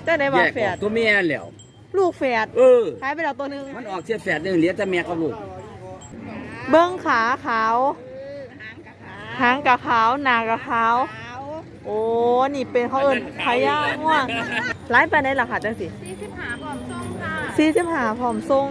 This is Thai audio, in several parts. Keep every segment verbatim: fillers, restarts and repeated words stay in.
จะได้ว่าแฝดตัวเมียแล้วลูกแฝดเออหายไปแล้วตัวนึงมันออกเสียแฝดนึงเหลือแต่แม่กับลูกเบิ้งขาขาวหางกะขาวหนากะขาวโอ้นี่เป็นเขาเอิญพญาง่วงไล่ไปในหลักค่ะจังสิสี่สิบหาผอมทรงค่ะสี่สิบหาผอมทรง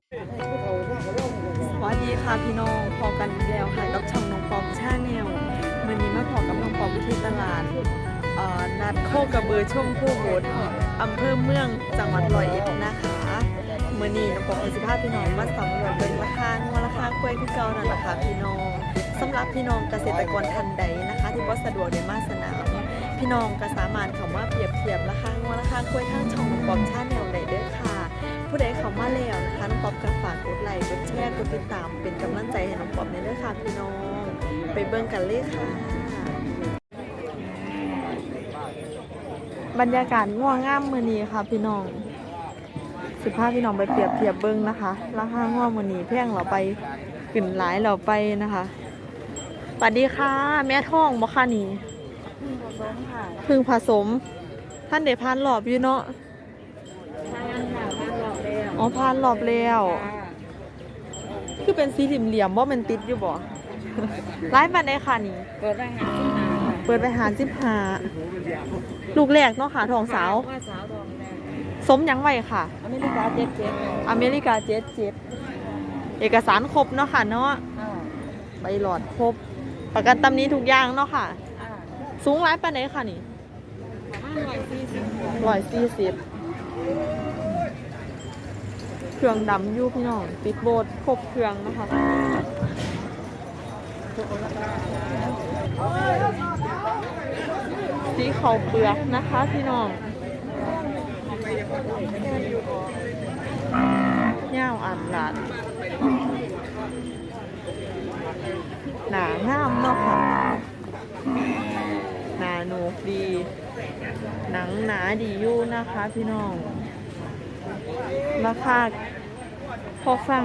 สวัสดีค่ะพี่น้องพอกันแล้วค่ะกับช่องน้องปอมชาแนลวันนี้มาพอกับน้องปอมที่ตลาดนัดโคกระเบือช่วงผู้โหดอำเภอเมืองจังหวัดร้อยเอ็ดนะคะเมื่อนี้น้องปอมเอาสิบห้าพี่น้องมาสำรวจเป็นราคาราคากล้วยที่เก่านั่นแหละค่ะพี่น้องสำหรับพี่น้องเกษตรกรท่านใดนะคะที่ว่าสะดวกในมาสนามพี่น้องก็สามารถคำว่าเปรียบเทียบราคางวราคากล้วยทั้งช่องน้องปอมชาแนลได้เด้อค่ะผู้ใดเข้ามาแล้วนะคะน้องปอมก็ฝากกดไลค์กดแชร์กดติดตามเป็นกำลังใจให้น้องปอมในเด้อค่ะพี่น้องไปเบิ่งกันเลยค่ะบรรยากาศง่วงง่ามมือนี้ค่ะพี่น้องสิบห้าพี่น้องไปเปรียบเทียบเบิ้งนะคะราคาง่วงมือนี้แพงเราไปขึ้นหลายเราไปนะคะสวัสดีค่ะแม่ท้องบ่ค่ะนี่พึ่งผสมท่านเดพานหลอบอยู่เนาะอ๋อพานหลอบแล้วคือเป็นสีเหลี่ยมๆว่ามันติดอยู่บ่ไล่มาได้ค่ะนี่เปิดไปหาเปิดไปหาสิบหาลูกแรกเนาะค่ะทองสาวสมยังไวค่ะอเมริกาเจ็ดเจ็ดอเมริกาเจ็ดเจ็ดเอกสารครบเนาะค่ะเนาะใบหลอดครบประกันตำนี้ทุกอย่างเนาะค่ะสูงร้ายปานไหนค่ะนี่ร้อยสี่สิบเครื่องดำยูพี่น้องติดโบสครบเครื่องนะคะสีขาวเปลือกนะคะพี่น้องย่าวอ่านหลานหนางามเนาะค่ะหนาหนูดีหนังหนาดีอยู่นะคะพี่น้องราคาพอฟัง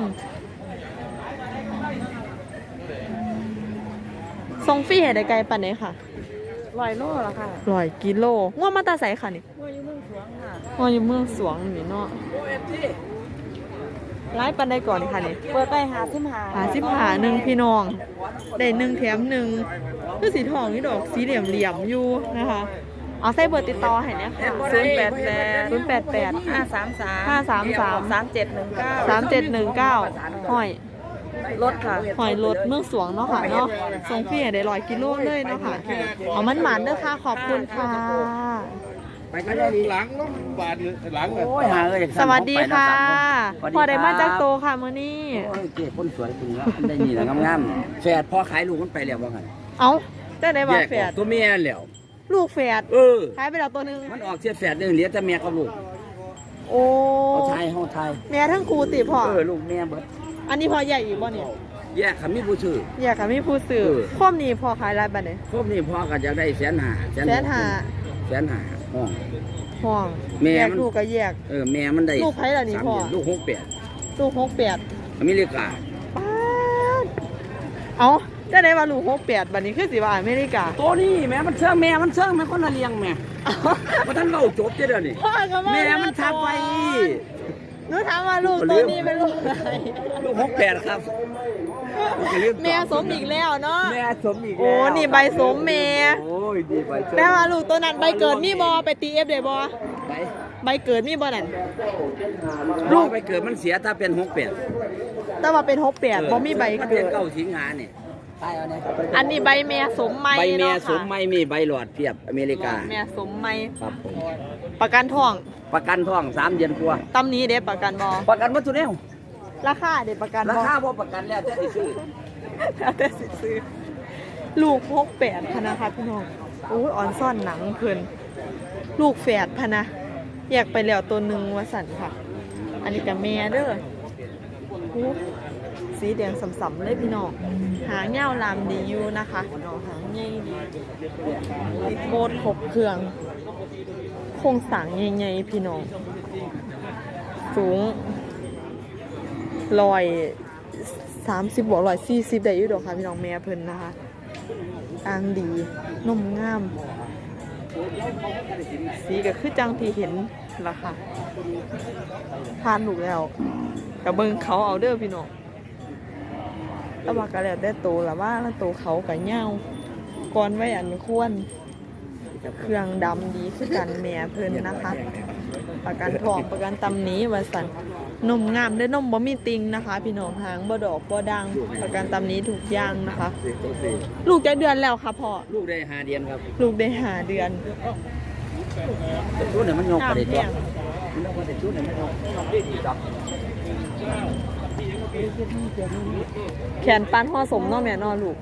ทรงฟรีให้ได้ไกลปันไหนค่ะร้อยโลละค่ะร้อยกิโลง่วงมาตาใสค่ะนี่ง่วงอยู่เมืองสวงค่ะง่วงอยู่เมืองสวงนี่เนาะไล่ปันได้ก่อนค่ะนี่เปิดไปหาสิบหาหาสิบหาหนึ่งพี่น้องได้หนึ่งแถมหนึ่งคือสีทองนี่ดอกสีเหลี่ยมเหลี่ยมอยู่นะคะเอาใส่เบอร์ติดต่อให้เนี่ยค่ะศูนย์แปดแปดศูนย์แปดแปดห้าสามสามห้าสามสามสามเจ็ดหนึ่งเก้าสามเจ็ดหนึ่งเก้าห้อยรถค่ะหอยรถเมืองสวงเนาะค่ะเนาะทรงพี่ได้ร้อยกิโลเลยเนาะค่ะเอามันหมันเด้อค่ะขอบคุณค่ะไปกันหลังล้มบาดหลังเลยสวัสดีค่ะพอได้มาจากโตค่ะมื้อนี้โอ้ยเก๋คนสวยคุณแล้วได้นี่แหละงามๆแฝดพอขายลูกมันไปแล้วว่าไงเอ้าจะได้ว่าแฝดตัวเมียแล้วลูกแฝดเออขายไปแล้วตัวนึงมันออกเสียแฝดนึงเหลือแต่แม่กับลูกโอ้เขาไทยเขาไทยแม่ทั้งครูติพ่อเออลูกแม่เบิดอันนี้พอใหญ่อีกบ่เนี่ยแยกขามีผู้ซื้อแยกขามีผู้ซื้อครบนี้พอขายรายบัดเนี่ยครบนี้พอก็จะได้แสนห้าแสนห้าแสนห้าห้องห้องแม่ลูกก็แยกเออแม่มันได้ลูกไผ่ล่ะนี่พ่อลูกหกแปดลูกหกแปดอเมริกาเอาจะได้ว่าลูกหกแปดบัดนี้คือสิว่าอเมริกาตัวนี้แม่มันเชื่องแม่มันเชื่องแม่คนละเลี้ยงแม่เพราะท่านเราจบเดี๋ยวนี้แม่มันทับไปหนูถามว่าลูกตัวนี้เป็นลูกอะไรลูกหกแปดครับแม่สมอีกแล้วเนาะแม่สมอีกโอ้นี่ใบสมแม่โอ้ยดีใบแม่ว่าลูกตัวนั้นใบเกิดมีบอไปตีเอฟได้บอใบใบเกิดมีบอนั่นลูกใบเกิดมันเสียถ้าเป็นหกแปดแต่ว่าเป็นหกแปดบอมีใบเกิดเก้าสิงหาเนี่ยอันนี้ใบแม่สมไม้ใบแม่สมไม้มีใบหลอดเพียบอเมริกาแม่สมไม้ครับผมประกันทองประกันทองสามเดือนกว่าตำนี้เด็ประกันบอประกันวัตถุเนี่ยราคาเด็ประกันราคาพอประกันแล้วแต่สิซื้อแต่สิซื้อลูกหกแปดพะนะคะพี่น้องโอ้ยอ่อนซ่อนหนังเพิ่นลูกแฝดพะนะแยกไปแล้วตัวหนึ่งวสันค่ะอันนี้กับแม่เด้อสีแดงสัมๆเลยพี่น้องหางเงาลามดีอยู่นะคะน้องหางใหญ่ดีติดโบดครบเครื่องโครงสร้างใหญ่ๆพี่น้องสูงลอยสามสิบบวกลอยสี่สิบได้อยู่ดอกค่ะพี่น้องแม่เพิ่นนะคะอ่างดีนมงามสีก็คือจังที่เห็นล่ะค่ะทานลูกแล้วกับเบิ่งเขาเอาเด้อพี่น้องแต่ว่าก็แล้วแต่โตล่ะว่าแล้วโตเขาก็ยาวก่อนไว้อันควรเครื่องดำดีคือกันแม่เพิ่นนะคะประกันทองประกันตำหนี้ว่าซั่นนมงามได้อนมบ่มีติงนะคะ พี่น้องหางบ่ดอกบ่ดังประกันตำหนี้ทุกอย่างนะคะ ลูกจักเดือนแล้วค่ะพ่อลูกได้ห้าเดือนครับลูกได้ห้าเดือนชุดเนี่ยมันยกไปได้ตัวมันยกไปได้ชุดเนี่ยมันยกยกได้ดีจับแขนปานห่อสมเนาะแม่เนาะลูก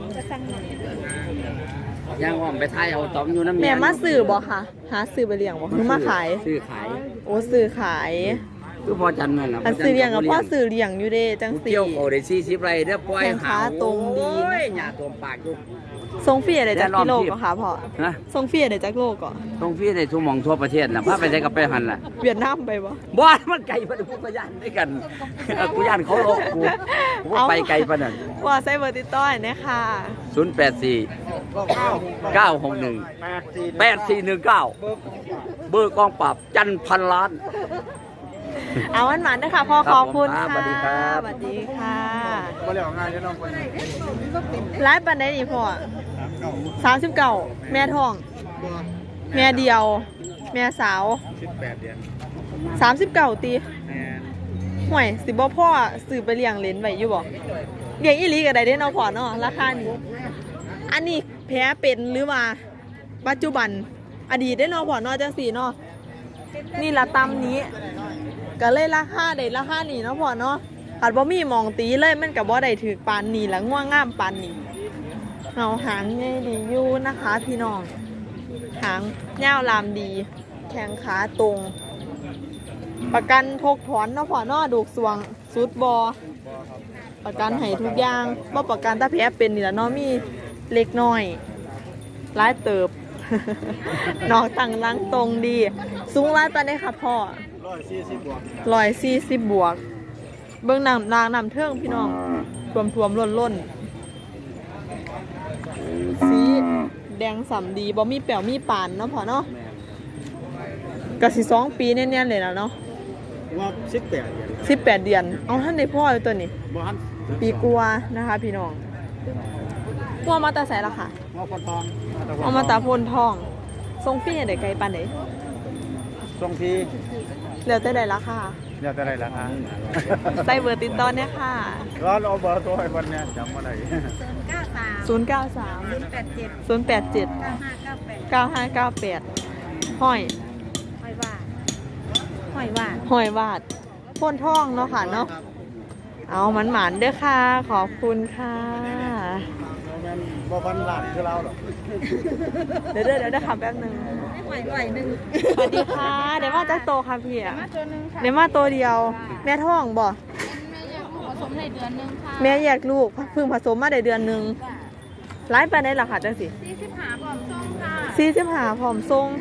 ย่างอ้อมไปท้ายเอาตอมอยู่น้ำแม่มาซื้อบ่ค่ะหาซื้อไปเลี้ยงบ่คือมาขายซื้อขายโอ้ซื้อขายคือพอจันนั่นแหละอันซื้อเลี้ยงกับพ่อซื้อเลี้ยงอยู่เด้จังสี่เกี่ยวเขาได้สี่สิบไรเด้อปล่อยแข้งขาตรงดีโอ้ยหญ้าตัวปากอยู่ทรงฟรีได้จักกิโลก็ค่ะพ่อนะทรงฟรีได้จักโลก็ตรงพี่ในทุ่งมองทั่วประเทศน่ะพาไปใช้กับไปหันล่ะเวียดนามไปบ่บ้านมันไกลปะพูดประยานด้วยกันเออกูย่านเขาโลกกูกูว่าไปไกลปะนั่นว่าใส่เบอร์ติดต่อให้นะคะศูนย์แปดสี่เก้าหกหนึ่งแปดสี่หนึ่งเก้าเบอร์กองปราบจันพันล้านเอาวันหมันนะคะพ่อขอบคุณครัค่ะบสวัสดีครับสวัสดีค่ะบ่ได้ออกงานจะน้องคนไลฟ์ปันได้ดีพ่อสามสิบเก้าแม่ท้อง แม่เดียว แม่สาวสิบแปดเดือนสามสิบเก้าตีแม่ห่วยสิบ่พ่อซื้อไปเลี้ยงเลนไว้อยู่บ่เลี้ยงอีหลีก็ได้เด้เนาะพ่อเนาะราคานี้อันนี้แพ้เป็นหรือว่าปัจจุบันอดีตได้เนาะพ่อเนาะจังซี่เนาะนี่ละตำนี้ก็เลยราคาได้ราคานี้เนาะพ่อเนาะอาจบ่มีหมองตีเลยมันก็บ่ได้ถือปานนี้ละง่วงงามปานนี้เอาหางใหญ่ดีอยู่นะคะพี่น้องหางยาวลามดี แข้งขาตรง ประกันทกถอนเนาะพ่อเนาะดูกสวงสุดบอประกันให้ทุกอย่างบ่ประกันถ้าแผลเป็นนี่ล่ะเนาะมีเล็กน้อยหลายเติบ น้องตั้งรังตรงดี สูงหลายปานใดค่ะพ่อร้อยสี่สิบบวกร้อยสี่สิบบวก เบิ่งน้ำนางน้ำเทิงพี่น้องท่วมท่วมล้นล้นสีแดงสำดีบ่มีแป๋วมีปานเนาะพ่อเนาะก็สิสองปีแน่ๆเลยแล้วเนาะว่าสิบแปดเดือนสิบแปดเดือนเอาท่านในพ่ออยู่ตัวนี้บ่ฮันปีกัวนะคะพี่น้องกัวมาตาใส่ละค่ะว่าพอทองเอามาตาโพนทองทรงฟี่เด็กไกลปานไหนทรงพี่เหลือแต่ใดละค่ะเดี๋ยวจะได้ละฮะใส่เบอร์ติดต่อเนี่ยค่ะร้อนเอาเบอร์ตัวให้วันเนี้ยจำมาได้ศูนย์ เก้า สาม ศูนย์ แปด เจ็ด เก้า ห้า เก้า แปด ห้อยหอยหวานหอยหวานห้อยวาดโพนทองเนาะค่ะเนาะเอามันหมานๆเด้อค่ะ ขอบคุณค่ะแม่นบ่พันล้านคือเราหรอกเดี๋ยวเดี๋ยวเดี๋ยวขับแป๊บนึงหอยหวานหนึ่งสวัสดีค่ะ เดี๋ยวมาจักโตค่ะพี่อะมาตัวหนึ่งค่ะเดี๋ยวมาตัวเดียว แม่ท้องบ่แม่อยากผสมในเดือนหนึ่งค่ะแม่แยกลูกเพิ่งผสมมาได้เดือนหนึ่งไลฟ์ไปได้หรอคะจังสิสี่สิบหาบอมส้มค่ะสี่สิบหาผอมทรง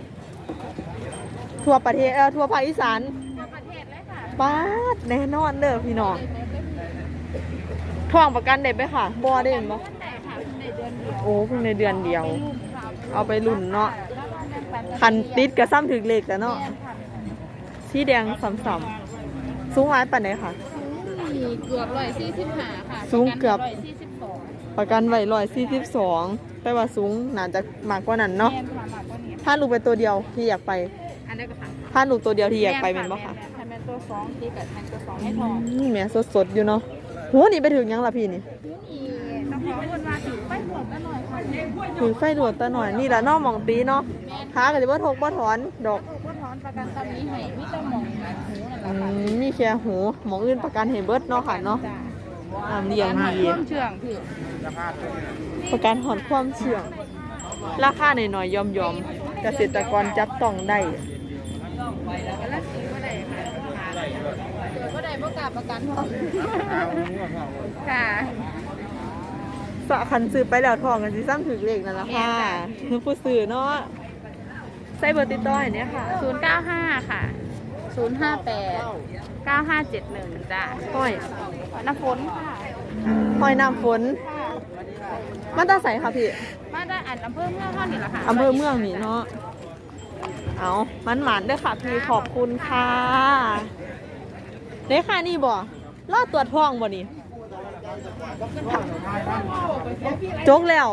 ทั่วประเทศเออทั่วภาคอีสานทั่วประเทศเลยค่ะป้าดแน่นอนเด้อพี่น้องท้องประกันได้ไหมค่ะบ่ได้เห็นบ่แต่ค่ะในเดือนเดียวโอ้เพิ่งในเดือนเดียวลูกค่ะเอาไปลุ่นเนาะแล้วก็แบ่งปันคันติดกับซ้ำถึกเหล็กแล้วเนาะสีแดงซ้ำๆสูงหลายปานใดค่ะมีเกือบร้อยสี่สิบหาค่ะสูงเกือบร้อยสี่สิบสองประกันไว้ร้อยสี่สิบสองแต่ว่าสูงน่าจะมากกว่านั้นเนาะแม่นค่ะมากกว่านี้ถ้าลูกไปตัวเดียวที่อยากไปอันนี้ก็ค่ะถ้าลูกตัวเดียวที่อยากไปเป็นบ่ค่ะแม่นตัวสองตีกับแม่นตัวสองให้ทองอืมแม่สดๆอยู่เนาะโหนี่ไปถึงยังล่ะพี่นี่นี่ต้องขอคนมาถือไปหมดกันหน่อยค่ะถึงไฟดวดตาหน่อยนี่ละเนอกมองตีเนาะขาก็สิบ่ทกบ่ถอนดอกก็ถอนประกันตอนนี้ให้มิตรหมองหูนั่นแหอืละค่ะมมีแค่หูหมองอื่นประกันให้เบิดเนาะค่ะเนาะน้ำเลี้ยงดีเครื่องเชื่องพี่ประกันหอนความเชื่องราคาหน่อยๆยอมๆเกษตรกรจับต้องได้กันละสีก็ได้ค่ะเกิดก็ได้ประกาศประกันพอค่ะสะคันซื้อไปแล้วทองกันสิซ้ำถึงเลขนั่นล่ะค่ะคือผู้ซื้อเนาะใส่เบอร์ติดต่อให้เนี่ยค่ะศูนย์เก้าห้าค่ะศูนย์ห้าแปดเก้าห้าเจ็ดหนึ่งจ้ะห้อยน้ำฝนค่ะห้อยน้ำฝนมาตาใสค่ะพี่มาได้อันอำเภอเมืองเท่านี้แหละค่ะอำเภอเมืองนี่เนาะเอามันหมันเด้อค่ะพี่ขอบคุณค่ะเด้ค่ะนี่บ่รอดตรวจท้องบ่นี่จกแล้ว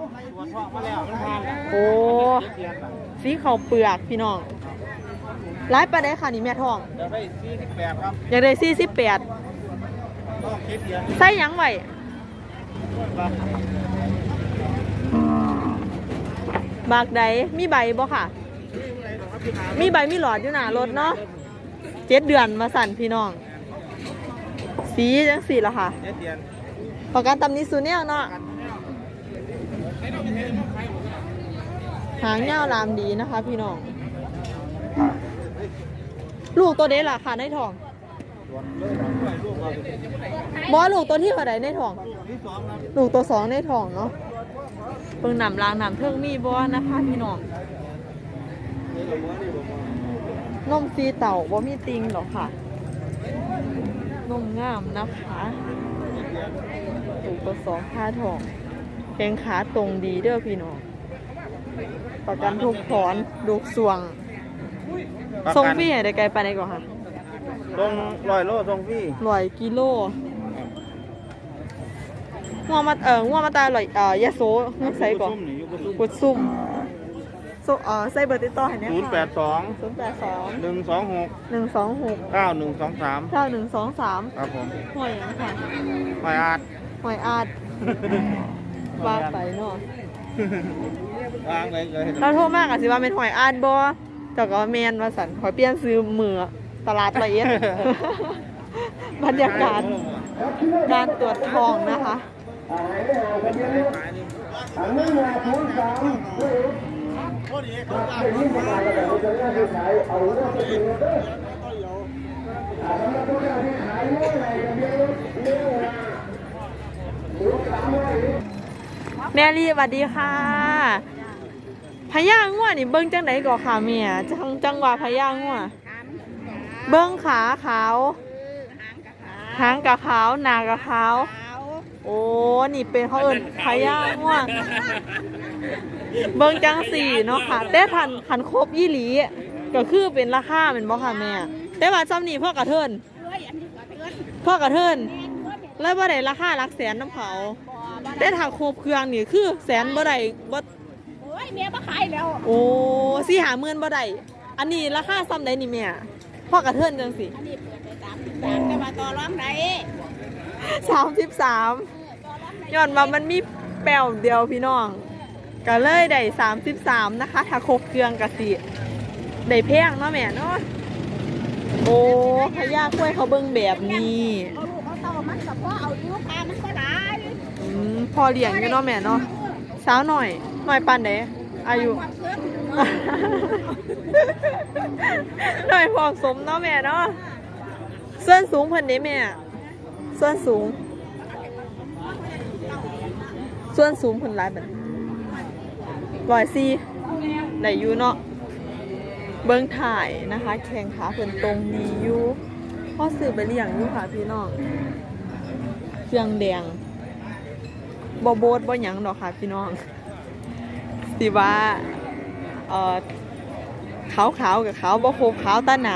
โอ้สีเขาเปลือกพี่น้องร้ายไปได้ค่ะนี่แม่ท้องเดี๋ยวได้สี่สิบแปดครับอยากได้สี่สิบแปดต้องคิดเดือนใส่หยังไว้บากใดมีใบบ่ค่ะ มีใบมีหลอดอยู่หน้ารถเนาะเจ็ดเดือนมาสั่นพี่น้อง สีจังสีละค่ะเจ็ดเดือนประกันตำนี้สูเนี่ยเนาะหางเงาลามดีนะคะพี่น้อง ลูกตัวเด็ดล่ะค่ะในท้องบอลูกตัวที่เท่าไหร่ในท้อง ลูกตัวสองในท้องเนาะเพิ่งนำรางนำเพิ่งมีบอนะคะพี่น้องนมซีเต่าบ่มีติงหรอกค่ะนมงามนะคะลูกตัวสองค่าทองแข้งขาตรงดีเด้อพี่น้องประกันทุกถอนลูกสวงทรงพี่ให้ได้ไกลไปไหนก่อนค่ะตรงร้อยโลตรงพี่ร้อยกิโลงัวมาเอ่องัวมาตาร้อยเอ่อยะโสงัวใส่ก่อนกดซุ่มโซเอ่อใส่เบอร์ติดต่อให้เนี่ยศูนย์แปดสองศูนย์แปดสองหนึ่งสองหกหนึ่งสองหกเก้าหนึ่งสองสามเก้าหนึ่งสองสามครับผมหอยหยังค่ะหอยอาดหอยอาดว่าไปเนาะวางเลยเลยเราโทรมากอ่ะสิว่าเป็นหอยอาดบ่เจาก็แมนว่าสันขอเปลี่ยนซื้อมือตลาดละเอียด บรรยากาศการตรวจทองนะคะแม่ลีสวัสดีค่ะพญางัวนี่เบิ้งจังไหนก่อค่ะแม่จังจังหวะพญางัวเบิ้งขาขาวหางกะขาวหนากะขาวโอ้นี่เป็นเขาเอิ้นพญางัวเบิ้งจังสี่เนาะค่ะแต่ทันคันครบยี่หลีก็คือเป็นราคาเป็นบ่ค่ะแม่แต่ว่าซ้ำนี่พ่อกระเทินพ่อกระเทินแล้วบ่ได้ราคาหลักแสนน้ำเขาแต่ถ้าครบเครื่องนี่คือแสนบ่ได้บ่โอ้ยเมียมาขายแล้วโอ้สี่หาหมื่นบ่ได้อันนี้ราคาซ้ำได้นี่แม่พ่อกระเทินจังสิอันนี้เปิดไปสามสิบสามแต่ว่าต่อรองไหนสามสิบสามย้อนมามันมีแป้วเดียวพี่น้องก็เลยได้สามสิบสามนะคะถ้าครบเครื่องกะสิได้แพงเนาะแม่เนาะโอ้พญากล้วยเขาเบิ่งแบบนี้เอาลูกเอาเต่ามันกับพ่อเอาลูกพามันก็ได้อืมพอเลี้ยงอยู่เนาะแม่เนาะสาวหน่อยหน่อยปานใดอายุความเชื่อหน่อยพอสมเนาะแม่เนาะส่วนสูงเพิ่นเด้แม่ส่วนสูง ส่วนสูงเพิ่นหลายบัดร้อยสี่ได้อยู่เนาะเบิ่งถ่ายนะคะแข้งขาเพิ่นตรงดีอยู่พอซื้อไปเลี้ยงอยู่ค่ะพี่น้องเครื่องแดงบ่โบดบ่หยังดอกค่ะพี่น้องสิว่าเอ่อขาวๆกับขาวบ่ครบขาวตาหนา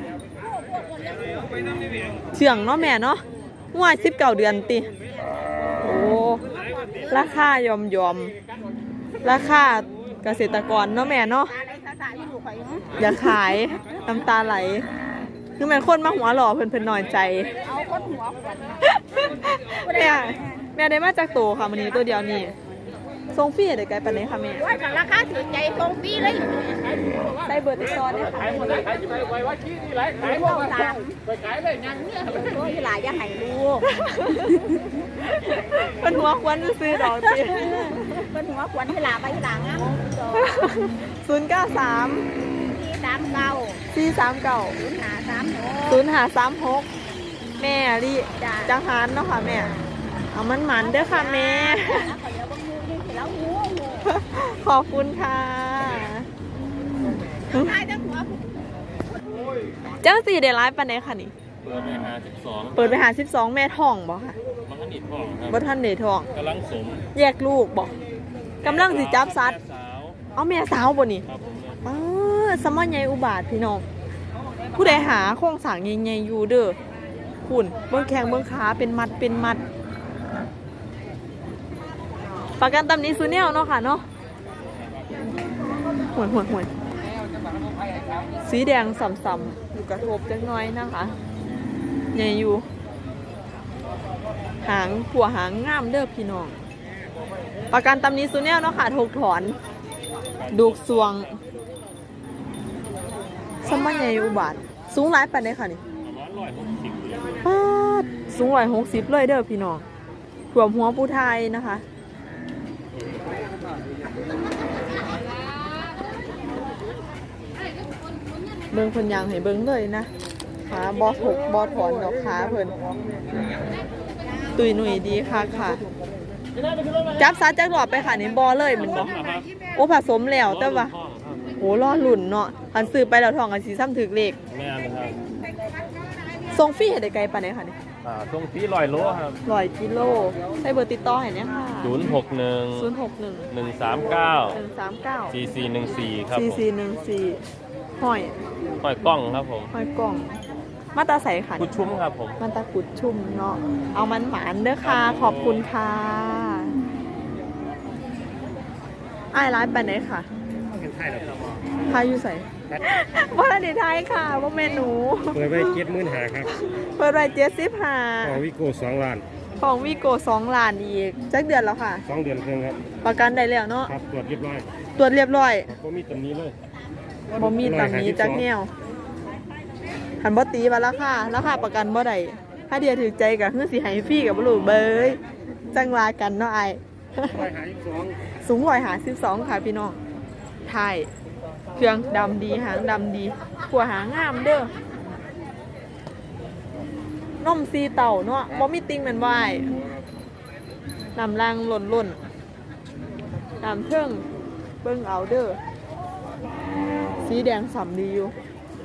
เชื่องเนาะแม่เนาะงวดสิบเก้าเดือนติโอ้ราคายอมยอมราคาเกษตรกรเนาะแม่เนาะอะไรภาษาที่อยู่ข่อยอย่าขายน้ำตาไหลคือแม่นคนมาหัวหล่อเพิ่นเพิ่นน้อยใจเอาคนหัวขวัญแม่แม่ได้มาจากโตค่ะมื้อนี้ตัวเดียวนี่ส่งฟรีได้ไกลปานใดค่ะแม่ว่ากันราคาถือใจตรงฟรีเลยใส่เบอร์ติดต่อได้ค่ะขายพวกสามไปขายเลยยังเนี่ยโอ้ยหลายยังให้ลูกเพิ่นหัวควนซื้อดอกติเป็นหัวขวัญให้หลาไปหลังอ่ะศูนย์ เก้า สามที่สามเก้าสี่ สาม เก้าศูนย์หาสามหกศูนย์ ห้า สาม หกแม่ลิจังหารเนาะค่ะแม่เอามันหมันเด้อค่ะแม่ขอเดี๋ยวบางทีนี่แล้วหัวหัวขอบคุณค่ะตายทั้งหัวเจ้าสี่ได้ไลฟ์ปานใดค่ะนี่เปิดไปหาสิบสองเปิดไปหาสิบสองแม่ท้องบ่ค่ะมันก็ติดท้องครับบ่ทันได้ท้องกำลังสมแยกลูกบ่กำลังสิจับสัตว์แม่สาวเอาแม่สาวบ่นี่ครับผมเออสมอใหญ่อุบาทพี่น้องผู้ใดหาโครงสร้างใหญ่ๆอยู่เด้อคุณเบิ่งแข้งเบิ่งขาเป็นมัดเป็นมัดประกันตำหนี้ซูแนวเนาะค่ะเนาะห่วยห่วยห่วยสีแดงส่ำๆอยู่กระทบจังน้อยนะคะใหญ่อยู่หางผัวหางงามเด้อพี่น้องประกันตำหนี้ซูแนวเนาะค่ะถูกถอนดูกสวงสมัยใหญ่อุบาทสูงหลายปานใดค่ะนี่ร้อยหกสิบปาดสูงร้อยหกสิบเลยเด้อพี่น้องถ่วมหัวผู้ไทยนะคะเบิ่งเพิ่นยางให้เบิ่งเลยนะขาบอถกบอถอนดอกขาเพิ่นตุยหนุ่ยดีค่ะค่ะจับซัดจักหลอดไปค่ะนี่บอเลยแมันบ่โอ้ผสมแล้วแต่ว่าโอ้รอหลุ่นเนาะคันซื้อไปแล้วทองกันสีซ้ำถึกเลขแม่นะครับทรงฟรีให้ได้ไกลปานใดค่ะนี่อ่าตรงที่ลอยโลครับร้อยกิโลใช้เบอร์ติดต่อให้เนี่ยค่ะศูนย์หกหนึ่งศูนย์หกหนึ่งหนึ่งสามเก้าหนึ่งสามเก้าสี่สี่หนึ่งสี่ครับสี่ผมสี่หนึ่งสี่ห้อยห้อยกล้องครับผมห้อยกล่อง มาตาใสค่ะกุดชุ่มครับผมมันตากุดชุ่มเนาะเอามันหมานเด้อค่ะ ขอบคุณค่ะอ้ายร้านไปไหนค่ะทายอยู่ใส่ว่าดีไทยค่ะว่าเมนูเปิดไปเจ็ดหมื่นหาครับเปิดไว้เจ็ดสิบห้าของวิโก้สองล้านของวีโก้สองล้านอีกจักเดือนแล้วค่ะสองเดือนครึ่งครับประกันได้แล้วเนาะครับตรวจเรียบร้อยตรวจเรียบร้อยครับก็มีตำนี้เลยบ่มีตำหนี้จักแนวหันบ่ตีว่าราคาราคาประกันบ่ได้ถ้าเดียวถือใจกับเฮือสิให้ฟรีกับบ่รู้เบยจังว่ากันเนาะไอายร้อยหาสิบสองสูงร้อยหาสิบสองค่ะพี่น้องถ่ายเครื่องดำดีหางดำดีขัวหางงามเด้อนมซีเต่าเนาะบ่มีติงแม่นบ่อ้ายน้ำล่างหล่นหล่นน้ำเทิงเบิ่งเอาเด้อสีแดงสำดีอยู่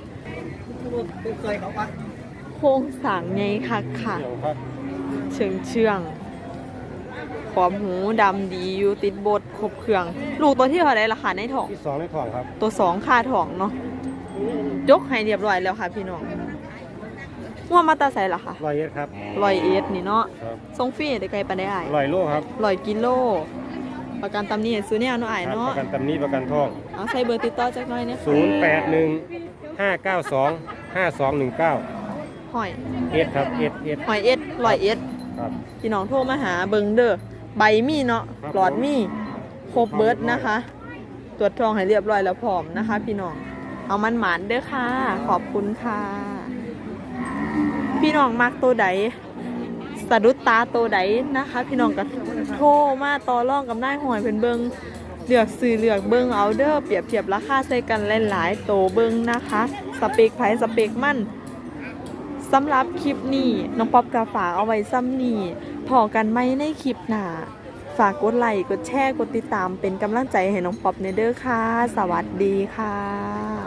โครงสร้างไงคักค่ะเดี๋ยวครับเชิงเชื่องขอบหูดำดีอยู่ติดบดครบเครื่อง ลูกตัวที่เท่าไรราคาในท้องที่สองในท้องครับตัวสองค่าท้องเนาะยกให้เรียบร้อยแล้วค่ะพี่น้องว่ามาตาใส่ละค่ะร้อยเอ็ดครับลอยเอสนี่เนาะครับทรงฟรีได้ไกลปานได้อ้ายร้อยโลครับลอยกิโล ประกันตำหนี้ซื้อเนี่ยเนาะอ้ายครับเนาะประกันตำนี้ประกันท้องเอาใส่เบอร์ติดต่อจักหน่อยเนี่ยศูนย์แปดหนึ่งห้าเก้าสองห้าสองหนึ่งเก้าหอยเอ็ดครับเอ็ดเอ็ดหอยเอสลอยเอสครับพี่น้องโทรมาหาเบิงเด้อใบมีเนาะครับหลอดมีครบเบิร์ดนะคะ ตรวจทองให้เรียบร้อยแล้วพร้อมนะคะ พี่น้องเอามันหมานเด้อค่ะ ขอบคุณค่ะ พี่น้องมักตัวใดสะดุดตาตัวใดนะคะ พี่น้องก็โทรมาต่อรองกับนายหอยเพิ่นเบิงเลือกซื้อเลือกเบิงเอาเด้อเปรียบเทียบราคาใส่กันหลายๆโตวเบิงนะคะสเปคไผสเปคมันสำหรับคลิปนี้น้องป๊อปกาฝากเอาไว้ซ้ำนี่พอกันไหมในคลิปหน้าฝากกดไลค์กดแชร์กดติดตามเป็นกำลังใจให้น้องป๊อปเนเด้อค่ะ สวัสดีค่ะ